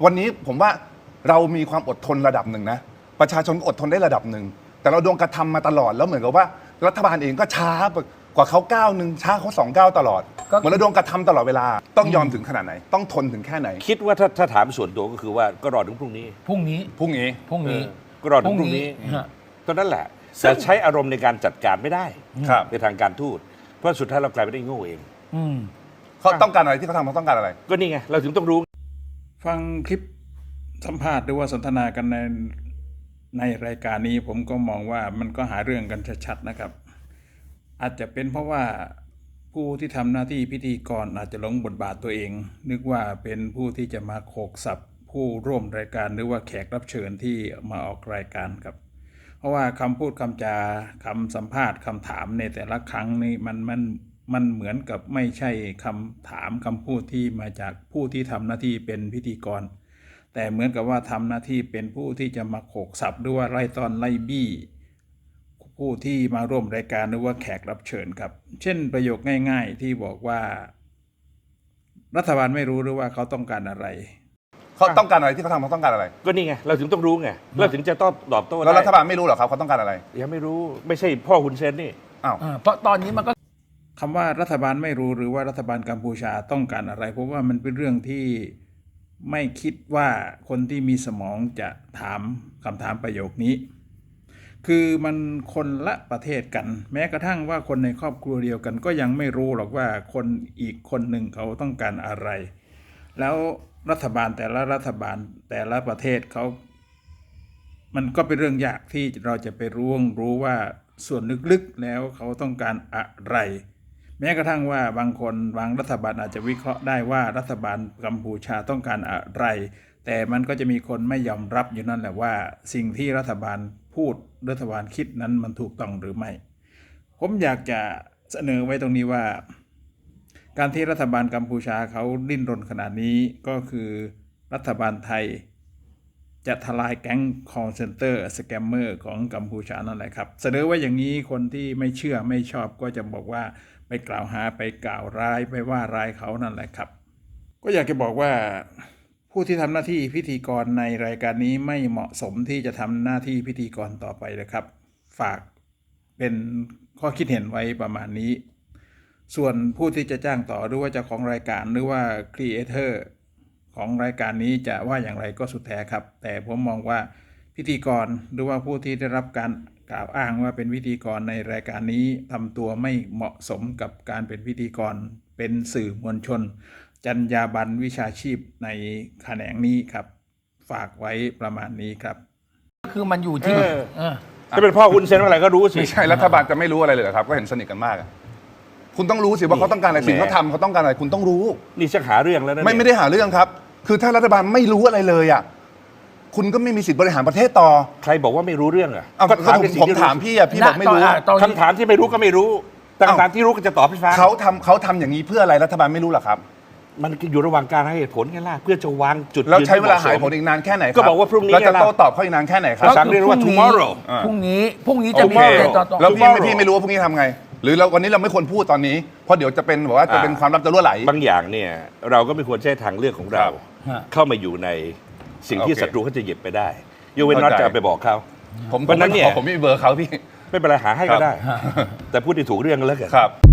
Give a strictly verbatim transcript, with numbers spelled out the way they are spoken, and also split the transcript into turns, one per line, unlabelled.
วันนี้ผมว่าเรามีความอดทนระดับหนึ่งนะประชาชนอดทนได้ระดับหนึ่งแต่เราโดนกระทำมาตลอดแล้วเหมือนกับว่ารัฐบาลเองก็ช้ากว่าเขาก้าวหนึ่งช้าเขาสองก้าวตลอดเหมือนเราโดนกระทำตลอดเวลาต้องยอมถึงขนาดไหนต้องทนถึงแค่ไหน
คิดว่าถ้าถ้าถามส่วนตัวก็คือว่าก็รอถึงพรุ่งนี้
พรุ่งนี้
พรุ่งนี้
พรุ่งนี้
ก็รอถึงพรุ่งนี้ตอนนั้นแหละแต่ใช้อารมณ์ในการจัดการไม่ได้ในทางการทูตเพราะสุดท้ายเรากลายเป็นได้โง่เอง
เขาต้องการอะไรที่เขาทำเขาต้องการอะไร
ก็นี่ไงเราถึงต้องรู้
ฟังคลิปสัมภาษณ์หรือว่าสนทนากันในในรายการนี้ผมก็มองว่ามันก็หาเรื่องกันชัดๆนะครับอาจจะเป็นเพราะว่าผู้ที่ทำหน้าที่พิธีกรอาจจะหลงบทบาทตัวเองนึกว่าเป็นผู้ที่จะมาโขกสับผู้ร่วมรายการหรือว่าแขกรับเชิญที่มาออกรายการครับเพราะว่าคำพูดคำจาคำสัมภาษณ์คำถามในแต่ละครั้งนี่มันมันมันเหมือนกับไม่ใช่คำถามคำพูดที่มาจากผู้ที่ทำหน้าที่เป็นพิธีกรแต่เหมือนกับว่าทำหน้าที่เป็นผู้ที่จะมาโขกสับหรือว่าไล่ตอนไล่บี้ผู้ที่มาร่วมรายการหรือว่าแขกรับเชิญครับเช่นประโยคง่ายๆที่บอกว่ารัฐบาลไม่รู้หรือว่าเขาต้องการอะไร
เขาต้องการอะไรที่เขาทำเขาต้องการอะไร
ก็นี่ไงเราถึงต้องรู้ไงเราถึงจะต้องตอบโต้ได้
แล้วรัฐบาลไม่รู้หรอครับเขาต้องการอะไร
ยังไม่รู้ไม่ใช่พ่อคุณเซนนี่
อ้าว
เพราะตอนนี้มันก็
คำว่ารัฐบาลไม่รู้หรือว่ารัฐบาลกัมพูชาต้องการอะไรเพราะว่ามันเป็นเรื่องที่ไม่คิดว่าคนที่มีสมองจะถามคำถามประโยคนี้คือมันคนละประเทศกันแม้กระทั่งว่าคนในครอบครัวเดียวกันก็ยังไม่รู้หรอกว่าคนอีกคนหนึ่งเขาต้องการอะไรแล้วรัฐบาลแต่ละรัฐบาลแต่ละประเทศเขามันก็เป็นเรื่องยากที่เราจะไปรู้รู้ว่าส่วนลึกๆแล้วเขาต้องการอะไรแม้กระทั่งว่าบางคนบางรัฐบาลอาจจะวิเคราะห์ได้ว่ารัฐบาลกัมพูชาต้องการอะไรแต่มันก็จะมีคนไม่ยอมรับอยู่นั่นแหละว่าสิ่งที่รัฐบาลพูดรัฐบาลคิดนั้นมันถูกต้องหรือไม่ผมอยากจะเสนอไว้ตรงนี้ว่าการที่รัฐบาลกัมพูชาเขาดิ้นรนขนาดนี้ก็คือรัฐบาลไทยจะทลายแก๊ง call center สแกมเมอร์ของกัมพูชานั่นแหละครับเสนอว่าอย่างนี้คนที่ไม่เชื่อไม่ชอบก็จะบอกว่าไปกล่าวหาไปกล่าวร้ายไปว่าร้ายเขานั่นแหละครับก็อยากจะบอกว่าผู้ที่ทำหน้าที่พิธีกรในรายการนี้ไม่เหมาะสมที่จะทำหน้าที่พิธีกรต่อไปเลยครับฝากเป็นข้อคิดเห็นไว้ประมาณนี้ส่วนผู้ที่จะจ้างต่อหรือว่าเจ้าของรายการหรือว่าครีเอเตอร์ของรายการนี้จะว่าอย่างไรก็สุดแท้ครับแต่ผมมองว่าพิธีกรหรือว่าผู้ที่ได้รับการกล่าวอ้างว่าเป็นพิธีกรในรายการนี้ทำตัวไม่เหมาะสมกับการเป็นพิธีกรเป็นสื่อมวลชนจรรยาบรรณวิชาชีพในแขนงนี้ครับฝากไว้ประมาณนี้ครับ
คือมันอยู่ที่
ถ้าเป็นพ่อคุณเซนอะไรก็รู้สิ
ไม่ใช่รัฐบาลจะไม่รู้อะไรเลยครับก็เห็นสนิทกันมากคุณต้องรู้สิว่าเขาต้องการอะไรสิ่งเขาทำเขาต้องการอะไรคุณต้องรู้
นี่จะหาเรื่องแล้วนะ
ไม่ไม่ได้หาเรื่องครับคือถ้ารัฐบาลไม่รู้อะไรเลยอ่ะคุณก็ไม่มีสิทธิ์บริหารประเทศต่อ
ใครบอกว่าไม่รู้เรื่องอ่ะ
ก็ถามผมถามพี่อ่ะพี่บอกไม่รู้
คำถามที่ไม่รู้ก็ไม่รู้แต่คำถามที่รู้ก็จะตอบพี่ฟ้า
เขาทำเขาทำอย่างนี้เพื่ออะไรรัฐบาลไม่รู้หรอครับ
มันอยู่ระหว่างการให้เหตุผลไงล่ะเพื่อจะวางจุด
แล้วใช้เวลาหาผลอีกนานแค่ไหน
ก็บอกว่าพรุ่งนี้
เราจะโต้ตอบเขาอีกนานแค่ไหนครับ
ภาษาอังกฤษว่า tomorrow
พรุ่งนี้พรุ่งนี้จะมี
แล้วพี่พี่ไม่รู้ว่าพรุ่งนี้ทำไงหรือเราวันนี้เราไม่ควรพูดตอนนี้เพราะเดี๋ยวจะเป็นบอกว่าจะเป็นความลับจะรั่วไหล
บางอย่างเนี่ยเราก็ไม่ควรใช้ทางเลือกของเราเข้ามาอยู่ในสิ่งที่ศัตรูเขาจะหยิบไปได้ยกเว้นน็อตจะไปบอกเขา
ผมวันนั้นเนี่ยผมไม่มีเบอร์เขาพี่
ไม่เป็นไรหาให้ก็ได้แต่พูดที่ถูกเรื่องก็แล้วกัน
ครับ